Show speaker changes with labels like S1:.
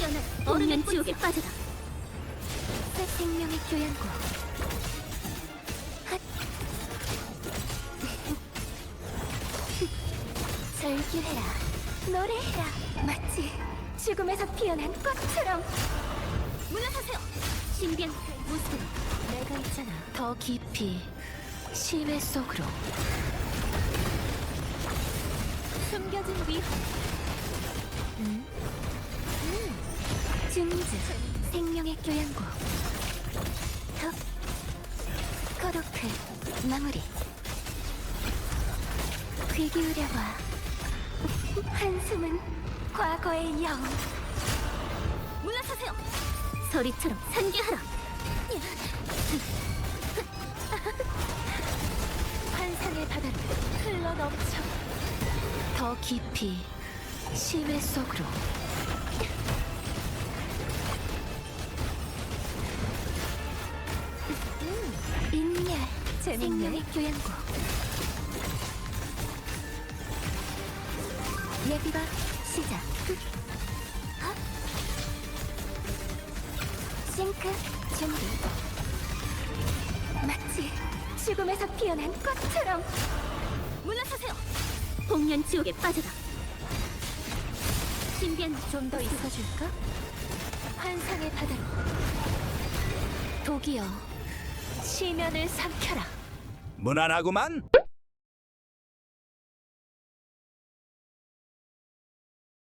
S1: 피어난 얼음의 지옥에 빠져라.
S2: 새 생명의 교양고. 핫. 절규해라. 노래해라. 마치 죽음에서 피어난 꽃처럼.
S1: 물러서세요. 신비한 모습으로
S2: 내가 있잖아. 더 깊이 심해 속으로. 숨겨진 위험. 증즈 생명의 교양고. 덕 코도크 마무리. 귀 기울여봐. 한숨은 과거의 영.
S1: 물러서세요. 소리처럼 산계하라.
S2: 환상의 바다로 흘러넘쳐. 더 깊이 심해 속으로. 인멸 생명의 교양고. 예비가 시작. 싱크 준비. 마치 죽음에서 피어난 꽃처럼.
S1: 물러서세요. 복면 지옥에 빠져라. 신비한
S2: 좀 더 있어줄까? 환상의 바다로. 독이여 시면을 삼켜라.
S3: 무난하구만.